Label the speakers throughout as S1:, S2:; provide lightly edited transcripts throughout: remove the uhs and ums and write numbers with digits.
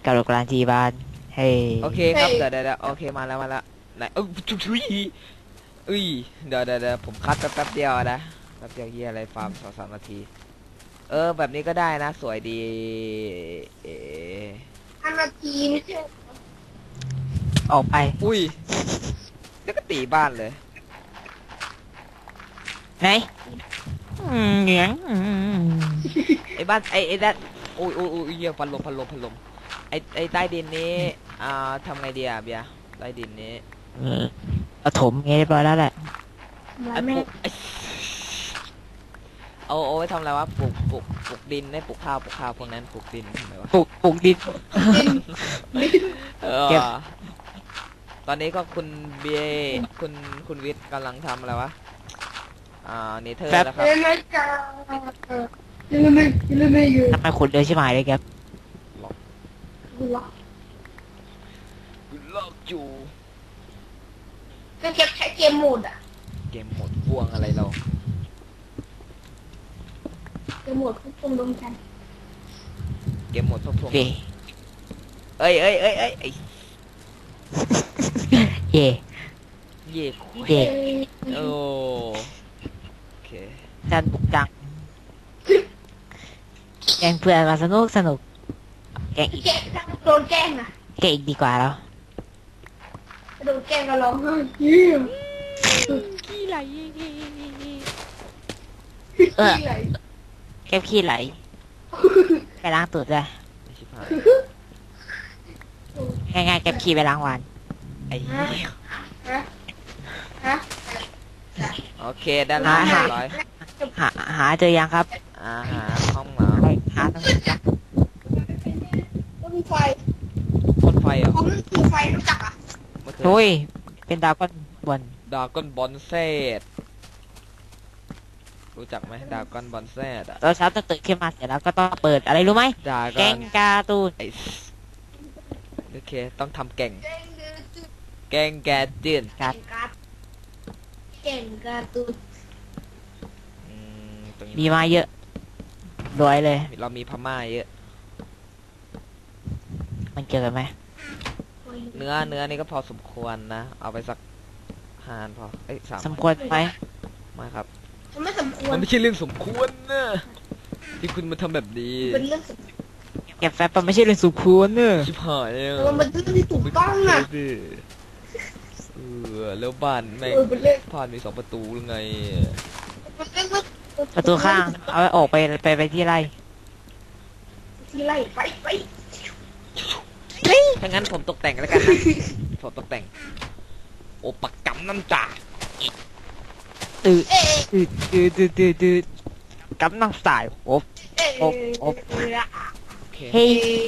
S1: กระโดดกลางจีบานเฮ้ย
S2: โอเคครับเดี๋ยวโอเคมาแล้วไหนชุยอุ้ยเดี๋ยวผมคัดแป๊บเดียวนะแป๊บเดียวเฮียอะไรฟาร์ม2-3 นาทีแบบนี้ก็ได้นะสวยดี
S3: 5 นาทีไม่ใช่
S1: ออกไป
S2: อุ้ยแล้วก็ตีบ้านเลย
S1: ไหนเหนียง
S2: ไอ้บ้านไอ้ด้านอุ้ยเฮียพัดลมไอ้ใต้ดินนี้ทำไงดีอะเบียร์ใต้ดินนี้
S1: เอาถมไงเรียบร้อยแล้วแหละ
S2: ไอ้ปลูกเอาไว้ทำอะไรวะปลูกดินได้ปลูกข้าวพวกนั้นปลูกดินทำไมวะ
S1: ปลูกดิน เก็บ
S2: ตอนนี้ก็คุณเบียคุณวิทย์กำลังทำอะไรวะเนเธอร์แล้วครับ
S3: ไม่จ้าไม่อยู่
S1: ทำไมขุดเร็วใช่ไหมเลยครับ
S3: ล็อก
S2: ลอกอยู่
S3: ก็เก็บใช้เกมโหมดอ่ะ
S2: เกมหมดพวงอะไรเรา
S3: เกมโหมดควบคุมดวงจันทร์
S2: เกมหมดพวง
S1: เย่
S2: เอ้ย
S1: เย่
S2: เย่คุย
S1: เย่
S2: โอเค
S1: จันบุกจังแกงเพื่อนมาสนุกแกงอีก
S3: แกโดนแกล้งอ่ะ
S1: แกงอีกดีกว่าแล้ว
S3: โดนแกล้งก็ร้องไห้
S2: ขี้ไหล
S1: แกงขี้ไหลไปล้างตูดเลย
S2: ชิบหาย
S1: ง่ายๆแกงขี้ไปล้างวัน
S2: ไอ้เหี้ย
S3: ฮะ
S2: โอเคด้านล่างเรียบร้อย
S1: หาเจอยังครับ
S2: หาห้องเหรอ
S1: หาต้อง
S3: ต้นไฟ
S2: พ่นไฟเหรอ
S3: ผมต้นไฟรู้จักอ่ะ
S2: เมื่อคืน
S1: โอ้ยเป็นดาวก้อนบน
S2: ดราก้อนบอลเซตรู้จักไหมดราก้อนบอลเซตอะ
S1: ตอนเช้าตื่นขึ้นมาเสร็จแล้วก็ต้องเปิดอะไรรู้ไหม
S2: ดรา
S1: แก
S2: ก้อน
S1: งการ์ตูน
S2: ไอ้โอเคต้องทำแกง
S3: เก่งดื้อจุด
S2: แกงแกจืน
S3: เก่งการ์ดเก่งการ์ตูน
S2: ตรง
S1: มี
S2: นี้
S1: มาเยอะรวยเลย
S2: เรามีพม่าเยอะ
S1: มันเกี่ยวกันไหม
S2: เนื้อนี่ก็พอสมควรนะ เอาไปสัก5 พอ3
S1: สมควรไหม
S2: มาครับ
S3: มันไม่สมควร
S2: มันไม่ใช่เรื่องสมควรนะที่คุณมาทำแบบนี้
S3: เป็นเรื่องสม
S1: เก็บแฟบมันไม่ใช่เรื่องสุควรเนอะ
S2: ชิบหายแล้ว
S3: มันเป็นเรื่องที่ถูกต้องอ่ะ
S2: แล้วบ้านแม่ง
S3: เป็นเรื่อง
S2: ผ่านมี2 ประตูหรือไง
S3: เป็นเรื่อง
S1: ประตูข้าง เอาไว้ออกไปที่ไร่
S3: ที่ไล่ไป
S2: ถ้างั้นผมตกแต่งแล้วกันนะผมตกแต่ง โอปักกำน้ำจ่า
S1: ตื่น
S3: เอ๊ะ
S1: ตื่นกำลังสายโอ๊บ
S3: เอ๊ะ
S1: โอ๊บโอ๊บ
S2: โอเค
S1: เฮ้ย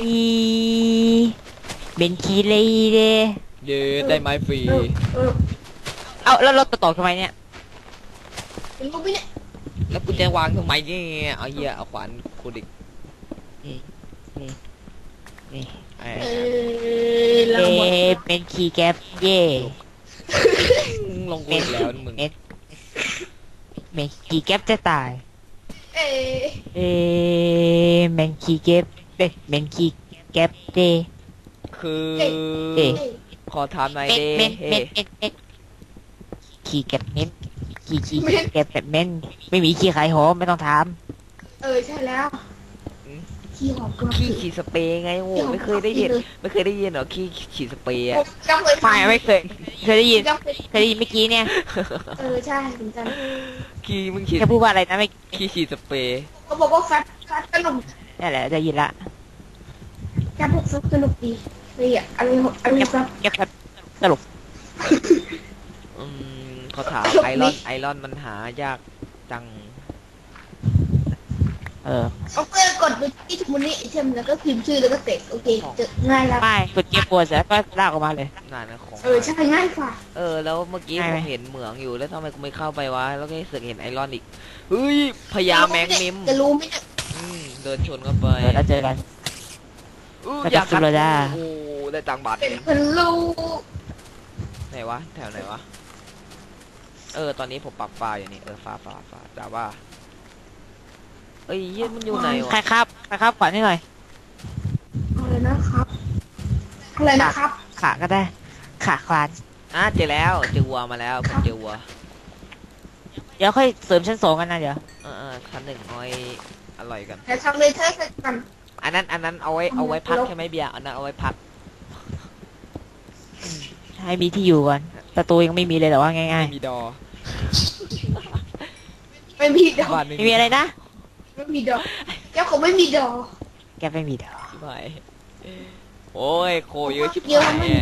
S1: เบนคีเลยเด้
S2: เย้ได้ไม้ฟรี
S1: เอาแล้วรถต่อทำไมเนี่ย
S3: เป็นรูปไม่เนี่ย
S2: แล้วกูจะวางทำไมเนี่ยเอาเหี้ยเอาขวานคูดิก
S1: นี่
S2: ไอ้
S3: เราหมด
S1: เป็นคีย์แก๊ปเย่
S2: ลงกูอีกแล้วมึง
S1: เป็นคีย์แก๊ปจะตาย
S3: เอ๊ะ
S1: เป็นคีย์แก๊ปเป็นคีย์แก๊ปเด
S2: คือ
S1: เอ๊ะ
S2: ขอถามหน่อยเด้เฮ้
S1: คีย์แก๊ปเม้นคีย์แก๊ปแบบเม้นไม่มีคีย์ขายหอมไม่ต้องถาม
S3: ใช่แล้วขี้หอมกระ
S2: ขี้ฉีดสเปรย์ไงโว้ไม่เคยได้ยินเหรอขี้ฉีดสเปรย์อะ
S3: จำเลย
S1: ไม่เคยได้ยินเมื่อกี้เนี่ย
S3: ใช่เหมือนกัน
S2: ขี้มึงฉีด
S1: แค่พูดว่าอะไรนะไม่
S2: ขี้ฉีดสเปรย์
S3: เขาบอกว่าแฟตสนุก
S1: นั่นแหละได้ยินละ
S3: แกพวกแฟตสนุกดีเลยอ่ะอะไรครับ
S1: แก๊ปตลก
S2: เขาถามไอรอนมันหายากจัง
S3: เอาเพื่อกดไปที่ทุกมูลนิธิแล้วก็พิมพ์ชื่อแล้วก็เสร็จโอเคเจอง่ายแล้ว
S1: ไม่กดเกียร์ปวดเสร็จแล้วก็ลากออกมาเลย
S2: งานนะของ
S3: ใช่ง่ายกว่า
S2: แล้วเมื่อกี้
S1: ง่าย
S2: ผ
S1: ไหม
S2: มเห็นเหมืองอยู่แล้วทำไมกูไม่เข้าไปวะแล้วก็เสือกเห็นไอรอนอีกเฮ้ยพญาแมงมิม
S3: จะรู้ไหมเนี่ย
S2: เดินชนเข้าไป
S1: แล้วเจอกัน แล้วก็
S2: อยาก
S1: สุดเลยจ้า
S2: โอ้ได้ตังค์บาท
S3: เป็นคนรู้
S2: ไหนวะแถวไหนวะตอนนี้ผมปรับไฟล์อยู่นี่ฟ้าแต่ว่าเอ้ยเหี้ยมันอยู่ไหนวะ
S1: ใครครับขวัญให้หน่อย
S3: อะไรนะครับอะไรนะครับ
S1: ขาก็ได้ ขาคลาน
S2: เจอแล้วเจอวัวมาแล้วผมเจอวัว
S1: เดี๋ยวค่อยเสริมชั้น2กันนะเดี๋ยว
S2: ชั้นหนึ่งเอาไว้อร่อยกัน
S3: แต่ทำเลเทอร์เสร็จกัน
S2: อันนั้นเอาไว้พักใช่ไหมเบียร์อันนั้นเอาไว้พัก
S1: ให้มีที่อยู่ก่อนประตูยังไม่มีเลยแต่ว่าง่าย
S2: ไม่มีดอ
S3: ไม่มีดอก
S2: บ้าน
S1: ๆไม่มีอะไรนะ
S3: ไม่มีดอกแก้วเขาไม่มีดอก
S1: แกไม่มีเดี๋ยว
S2: ชิบหายโอ้ยโคเยอะชิบ
S3: เยอะ
S2: หาย
S3: มาก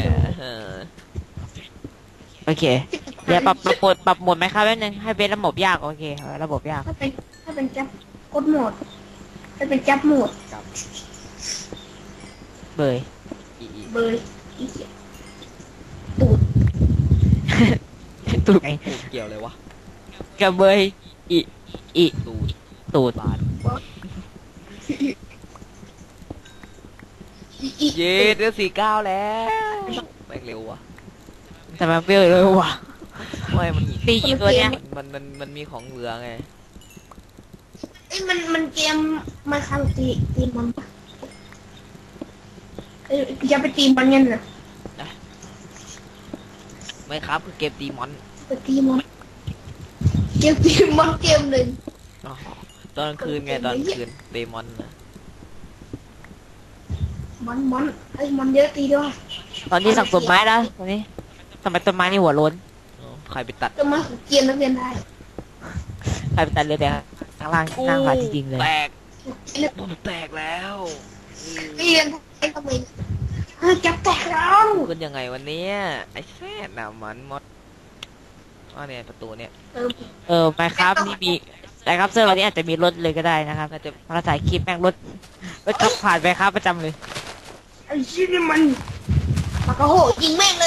S1: โอเคเดี๋ยวปรับโหมดไหมครับแป๊บนึงให้เป็นระบบยากโอเคระบบยาก
S3: ถ้าเป็นแก๊ปกดโหมดถ้าเป็นแก๊ปโหมด
S1: เบย
S3: เบอร์อีเหี้ยตูด
S1: ตูดไง
S2: พูดเกี่ยวเลยวะ
S1: กับเบยอี
S2: ตูด
S1: ตูด
S2: บาด
S3: อี
S2: เย็ดเดือน49แล้วแม่งเร็วว่ะ
S1: แต่มันเปรี้ยวเลยว่ะ
S2: ไม่มัน
S1: ตีกี่ตัวเนี้ย
S2: มันมีของเหลือไง
S3: เอ้ยมันเกมมันคาตีมันปะเอ้ยจะไปตีมันยังไง
S2: ไม่ครับคือเกมตีมอน
S3: ไปตีมันเกมตีมันเกมหนึ่ง
S2: อ๋อตอนกลางคืนไงตอนกลางคืนเดมอนนะ
S3: มันไอ้มันเยอะตีด้วย
S1: ตอนนี้สั่งต้นไม้แล้วตอนนี้ทำไมต้นไม้นี่หัวโล้น
S2: อ๋อใครไปตัด
S3: จะมาเกียนนักเรียนได้
S1: ใครไปตัดเลยแต่ข้างล่างนั่งหลายจริงๆเลย
S2: แตก
S3: เรียน
S2: ผมแตกแล้ว
S3: เรียนไอ้ทำไมจับแตกแล้ว
S2: ขึ้นยังไงวันนี้ไอ้แซ่ดน่ะมันมดเนี่ยประตูเนี่ย
S1: ไปครับนี่มีแต่ครับเซอร์วันนี้อาจจะมีรถเลยก็ได้นะครับ
S2: น่าจะ
S1: เราถ่ายคลิปแม่งรถขับผ่านไปครับประจำเลย
S3: ไอ้ชิ้นนี่มันปากกระโหยิงแม่งเลย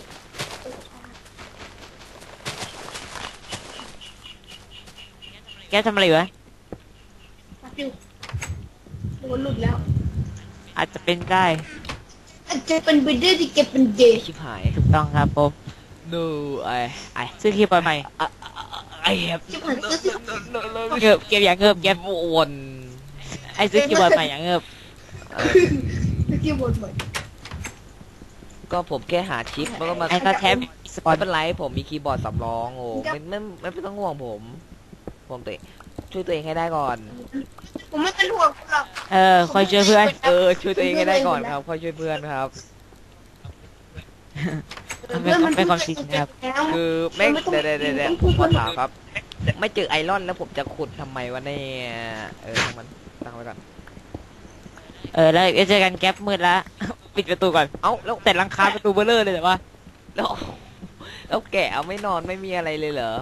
S1: แกทำอะไรอยู่วะ
S3: ปัดอยู่โดนหลุดแล้ว
S1: อาจจะเป็นได้
S3: อาจจะเป็นไปได้ที่เก็บเป็นเดย์
S2: ชิบหาย
S1: ถูกต้องครับผม
S2: no ไอ
S1: ซื้อคลิปใหม่
S2: ไอแฮป
S3: ชิบหายก็สิ
S1: เงือบเก็บอย่างเงือบเก็บ
S2: วน
S1: ไอ้ซื้อคีย์บอร์ดใหม่อย่างเงือบ
S3: เก็บบนหมด
S2: ก็ผมแค่หาชิปแล้วก็มา
S1: ไอ้ก็แท็บสปอน
S2: ไม่เป็นไรผมมีคีย์บอร์ดสำรองโอ้ไม่ต้องห่วงผมช่วยตัวเองให้ได้ก่อน
S3: ผมไม่เป็นห่วงคุณหรอก
S1: คอยช่วยเพื่อน
S2: ช่วยตัวเองให้ได้ก่อนครับค่อยช่วยเพื่อนครับ
S1: เป็นความจริงนะครับ
S2: คือแม่งเดี๋ยวผมขอถามครับ ไม่เจอไอรอนแล้วผมจะขุดทำไมวะเนี่ยทั้งมันตั้งไว้ก่อน
S1: แล้วเจอกันแก๊ปมืดแล้ว ปิดประตูก่อน
S2: เอ้าแล้ว
S1: แต่หลังคาประตูเบลเลอร์เลยแต่ว่า
S2: แล้วแกะเอาไม่นอนไม่มีอะไรเลยเหรอ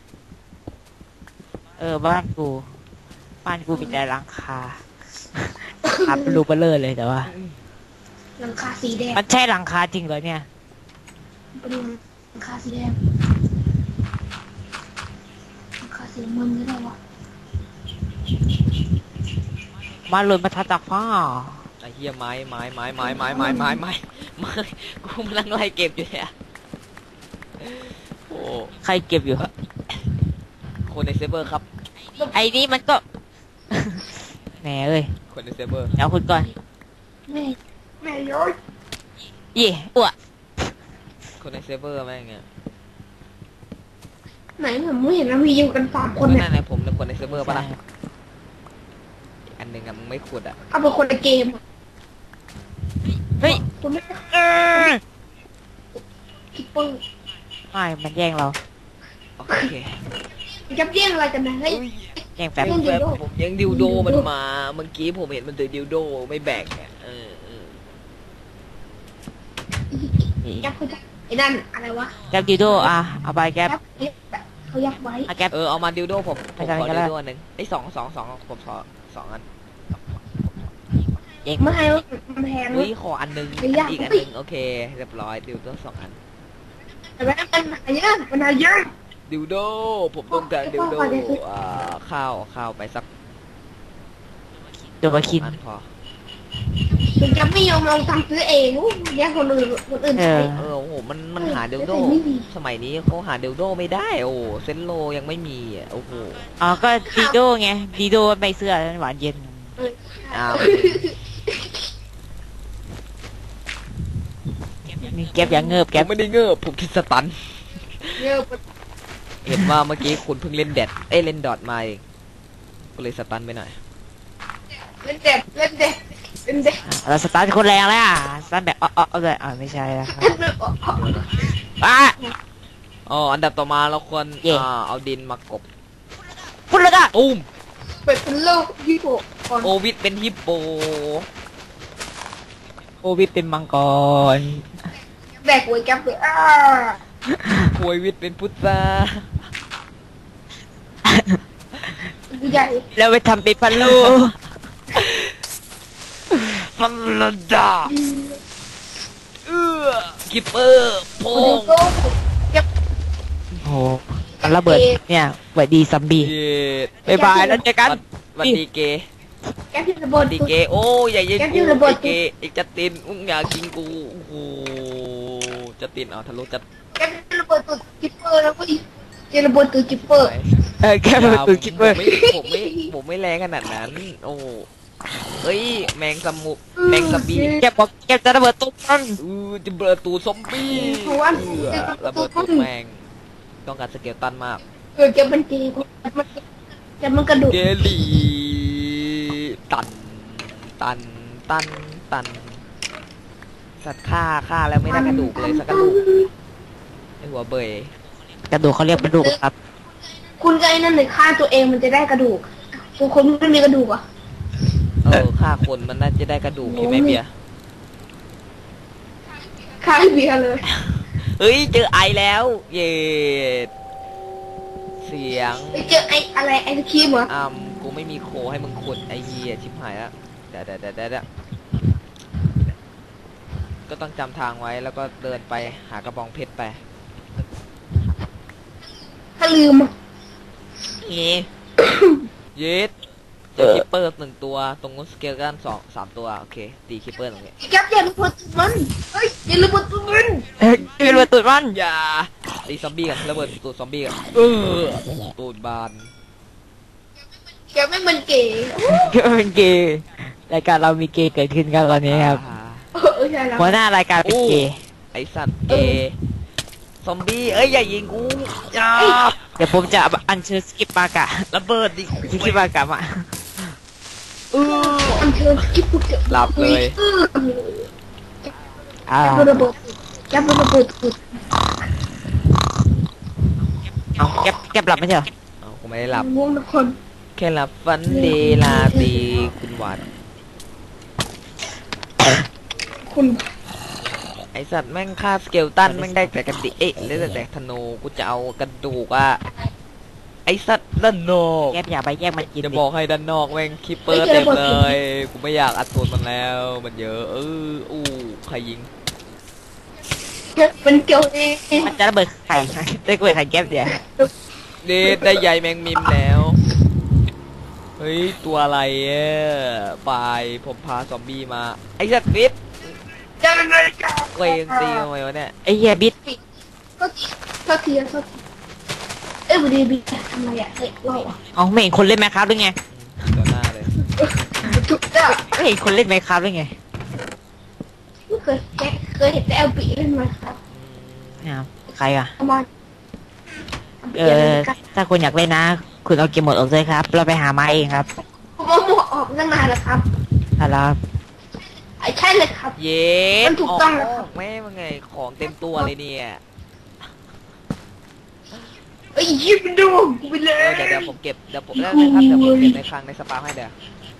S1: บ้านกูมีแต่หลังคาครับประตูเบลเลอร์เลยแต่ว่า
S3: หลังคาสีแดง
S1: มันใช่หลังคาจริงเหรอเนี่ย
S3: เป็นหลังคาสีแดงหลังคาสีน้ำเงินก็ได้วะ
S1: มาหล่นมาทัดจากฟ้า
S2: ไอ้เหี้ยไม้กูกำลังไล่เก็บอยู่เนี่ยโอ้
S1: ใครเก็บอยู่
S2: คนในเซิร์ฟเวอร์ครับ
S1: ไอ้นี่มันก็ แหมเอ้ย
S2: คนในเซิร์ฟเวอร์
S1: เดี๋ยวคุณก่อน
S3: แม่ย้อย
S1: ยี่อ้ว
S2: คนในเซิร์ฟเวอร์แม่งเงี้ย
S3: ไหนผมไม่เห็นนะมีอยู่กัน3 คนเนี่ย
S2: นั่นแหละผมเป็นคนในเซิร์ฟเวอร์ปะล่ะอันหนึ่งอะมึงไม่ขุดอะ
S3: เอาเป็นคนในเกม
S1: เฮ้ย
S3: คุณไม่ คิปเปอร์
S1: ไม่มันแย่งเรา
S2: โอเค
S3: ยับเยี่ยงอะไรกันนะเฮ้ย
S1: แย่งแป๊บ
S2: แป๊บผมยังดิวโดมันมาเมื่อกี้ผมเห็นมันถือดิวโดไม่แบกเนี่ย
S3: ยับเขายับไอ้นั่นอะไรวะ
S1: แก๊ปดิโดเอาไปแก๊ป
S3: เขายับไว้
S1: เอาแก๊ป
S2: เอามาดิวโดผมขอ
S1: ไปกัน
S2: ดิ
S1: ก็
S2: ว
S1: ได้
S2: โดอันหนึ่งไอ้สองผมขอ2 อัน
S1: แย่ง
S3: ไม่ให้มันแพง
S2: เฮ้ยขออันหนึง
S3: ไม่ยาก
S2: อีกอันหนึงโอเคเรียบร้อยดิวโด2 อัน
S3: แต่ว่ามันหายากมันหายาก
S2: ดิวโดผมต้องการดิวโด
S3: ขอเดี๋ยวซื้อ
S2: ข้าวไปสัก
S1: ตัวมาคิน
S2: อันพอ
S3: ถึงจะไม่ยอมลองทำซื้อเองแย่งคนอื่นใช้
S2: โอ้โหมันหาดิวโด
S3: ไม่ดี
S2: สมัยนี้เขาหาดิวโดไม่ได้โอ้เซนโลยังไม่มีอ่ะโอ้โห
S1: ก็ดิโดไงดิโดใบเสื้อหวานเย็น
S2: อ้าว
S1: นี่แก๊ปอย่างเงิบ
S2: ผ
S1: แก๊ป
S2: มไม่ได้เงือบผมคิดสตัน
S3: เงี้ย
S2: เห็นว่าเมื่อกี้คุณเพิ่งเล่นแดดเล่นดอทมาเองก็เลยสตันไปหน่อย
S3: เล่นเด็ดเล่นเด็ดเล่นเด็ด
S1: เราสตาร์ทคนแรงแล้วอ่ะสตาร์ทแบบเอาเลยไม่ใช่แล้วครับอ่ะ
S2: อ๋ออันดับต่อมาเราควร
S1: เย่
S2: เอาดินมากบ
S1: พูดเลยอ่ะ
S2: ตุ้ม
S3: เป็นโลกญี่ปุ่นก่อน
S2: โอวิดเป็นฮิปโป
S1: โควิดเป็นมังกร
S3: แบกไว้แก๊ปเลย
S2: โควิดเป็นพุทธา
S3: ใหญ่
S1: แล้วไปทำเป็นพันลู
S2: ฟันลดาคิปเปอร์โพ
S3: โอ้
S2: ง
S3: โหแก๊ป
S1: โอ้โหมันระเบิดเนี่ยสวัสดีซัมบี้
S2: เย็ด
S1: บ๊ายบายแล้วเจอกัน
S2: วันดีเกย์
S3: แก๊ปที่ระ
S2: ส
S3: เบิ
S2: วั
S3: ด
S2: สดีเกย์โอ้ยอย่ายิง
S3: แกที่
S2: กู
S3: ระเบิ
S2: ไอ้
S3: ด
S2: เกย์ไอ้จัดตินมึงอยากยิงกูโอ้โหจัดตินเอาทะลุจัด
S3: แก๊ปที่ระเบิดตัวจิปเปอร์แล้วก็จะระเบิดตัวจิปเปอร์
S1: แค่ประตูคิปเปอร์
S2: ผมไม่แรงขนาดนั้น โอ้เอ้ยแมงสมุแมงสบี
S1: แกบอกแกจะระเบิดตุ๊กมัน
S2: จะเบิดตูซอมบี้ระเบิดตูแมงต้องการสเกลตันมาก
S3: แก๊ปมันเกย์แก๊ปมันกระดูก
S2: เกลีตันตันตันตันสัตว์ฆ่าแล้วไม่ได้กระดูกเลยสักกระดูกไอหัวเบย
S1: กระดูกเขาเรียกกระดูกครับ
S3: คุณก็ไอ้นั่นเลยฆ่าตัวเองมันจะได้กระดูกตัวคนไม่มีกระดูกอ่ะ
S2: ฆ่าคนมันน่าจะได้กระดูกใช่ไหมเบียร์
S3: ฆ่าเบียร์เลย
S2: เฮ้ยเจอไอแล้ว เย็ดเสียง
S3: ไปเจอไอ้อะไรไอ้สกีมเหรอ
S2: กูไม่มีโคให้มึงขุดไอเหี้ยชิบหายแล้วเดี๋ยวก็ต้องจำทางไว้แล้วก็เดินไปหากระบองเพชรไป
S3: ถ้าลืมอะ
S2: เย็ดเจอคิปเปอร์หนึ่งตัวตรงนู้นสเกลกัน3 ตัวโอเคตีคิปเปอร์ตรงนี้
S3: แก๊ปอย่าระเบิดตัวมันเฮ้ยอย่าระเบิดตัวมัน
S1: ระเบิดตุ๊กมัน
S2: อย่าตีซอมบี้กันระเบิดตูดซอมบี้กันตูดบาน
S3: แก๊ปไม่มันเก๋
S1: ก็เป็นเกย์รายการเรามีเกย์เกิดขึ้นกันตอนนี้ครับ
S3: ใช่แล้ว
S1: หัวหน้ารายการเป็นเกย์
S2: ไอสัตว์เกซอมบี้เอ้ยอย่ายิงกูอย่า
S1: เดี๋ยวผมจะอัญเชิญสกิปปากะ
S2: ระเบิดดิ
S1: สกิปปากะมา
S3: อันเชิญกิ๊บปุ๊บ
S2: หลับเลย
S1: อ่า
S3: แก๊ประเบิดแก๊ประเบิดตัว
S1: เอาแก็บหลับไม่ใช่เหรอ
S2: เอากูไม่ได้หลับ
S3: ง่วงทุกคน
S2: แค่หลับฝันดีลาตรีคุณหวาน
S3: คุณ
S2: ไอสัตว์แม่งฆ่าสเกลตันแม่งได้แต่กระดิเอ๊ะได้แต่ธนูกูจะเอากระดูกอะไอสัตว์ด้านนอก
S1: แก็บอย่าไปแยกมันกิน
S2: จะ
S1: ดิ
S2: บอกให้ด้านนอกแม่งคิปเปอร์เต็มเลยกูไม่อยากอัดตัวมันแล้วมันเยอะอู้ใครยิง
S3: เป็นเกี่ยวเอง
S1: มันจะระเบิดไข่ได้ระเบิดไข่แก็บเดี๋ยว
S2: เดดได้ใยแมงมิมแล้วเฮ้ยตัวอะไรไปผมพาซอมบี้มาไอสัตว์ฟิต
S3: ยังไงกัน
S2: เวงตีทำไมวะเนี่ย
S1: ไอ้เหี้ยบิด
S3: ก็ทีเอ้ยวันนี้บีทำไมอ่ะเฮ้ยเราอ่ะ
S1: เอาไม่เห็นคนเล่นไหมครับหรือไง
S2: ต่อหน้าเลย
S3: ถูกจ้ะ
S1: ไม่เห็นคนเล่นไหมครับหรือไง
S3: ไม่เคยเห็นแต่เอลบีเล่นมาครับ
S1: นะครับใครอ่ะ
S3: ประมาณ
S1: ถ้าคุณอยากเล่นนะ คุณเอาเกมหมดออกเลยครับ เราไปหามาเองครับ
S3: ผมเอาหมวกออกตั้งนานแล้วครับ
S1: อะไรครับ
S3: ใช่เลยครับ
S2: เย็ด
S3: มันถูกต้องแล้วครับ
S2: แม่มันไงของเต็มตัวเลยเนี่ย
S3: เอ้ยยิบดูกูไปเลย
S2: เดี๋ยวผมเก็บเดี๋ยวผมได้ครับเดี๋ยวผมเก็บในคลังในสปาให้เดี๋ยว